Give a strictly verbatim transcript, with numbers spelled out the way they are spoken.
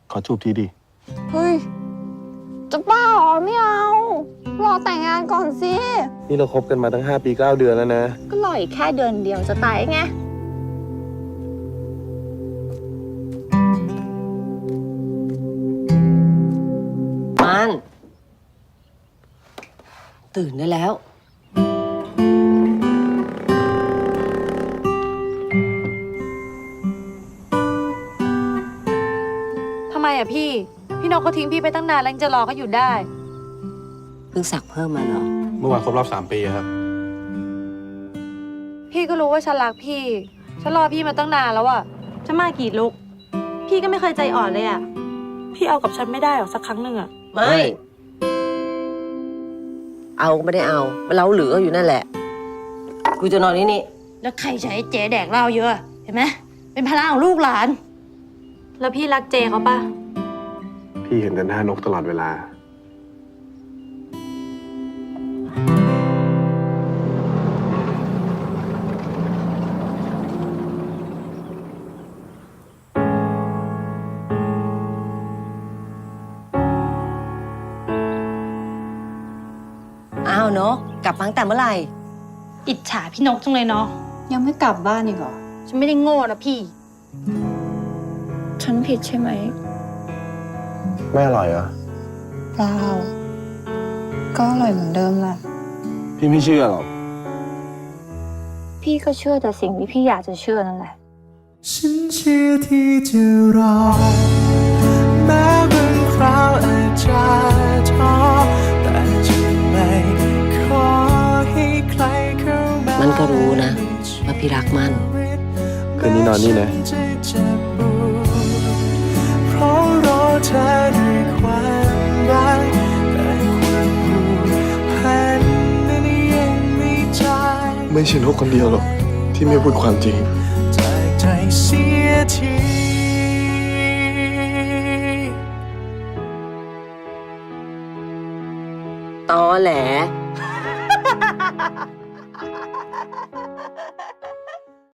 ขอจูบทีดิเฮ้ยจะบ้าเหรอไม่เอารอแต่งงานก่อนสินี่เราคบกันมาตั้งห้าปีเก้าเดือนแล้วนะก็รออีกแค่เดือนเดียวจะตายไงมันตื่นได้แล้วทำไมอ่ะพี่ พี่นกก็ทิ้งพี่ไปตั้งนานแล้วยังจะรอเขาอยู่ได้เพิ่งสักเพิ่มมาเหรอเมื่อวานครบรอบสามปีครับพี่ก็รู้ว่าฉันรักพี่ฉันรอพี่มาตั้งนานแล้วอะฉันมากี่ลุกพี่ก็ไม่เคยใจอ่อนเลยอะพี่เอากับฉันไม่ได้หรอสักครั้งหนึ่งอะไม่เอาไม่ได้เอามันเล้าหรืออยู่นั่นแหละกูจะนอนนี่นี่แล้วใครใช้เจ๊แดกเหล้าเยอะเห็นไหมเป็นภาระของลูกหลานแล้วพี่รักเจเขาปะพี่เห็นแต่หน้านกตลอดเวลาอ้าวเนาะกลับมาตั้งแต่เมื่อไหร่อิจฉาพี่นกจังเลยเนาะยังไม่กลับบ้านอีกเหรอฉันไม่ได้โง่นะพี่ฉันผิดใช่ไหมไม่อร่อยเหรอเปล่าก็อร่อยเหมือนเดิมแหละพี่ไม่เชื่อหรอกพี่ก็เชื่อแต่สิ่งที่พี่อยากจะเชื่อนั่นแหละฉันเชื่อที่จะรอแม้บางคราวอาจจะท้อแต่จะไม่ขอให้ใครเข้ามามันก็รู้นะว่าพี่รักมันคืนนี้นอนนี่นะเพราะรอเธอด้วยความรักแต่ความผูกพันนั้นยังไม่จางไม่ใช่นกคนเดียวหรอกที่ไม่พูดความจริงจากใจเสียทีตอแหล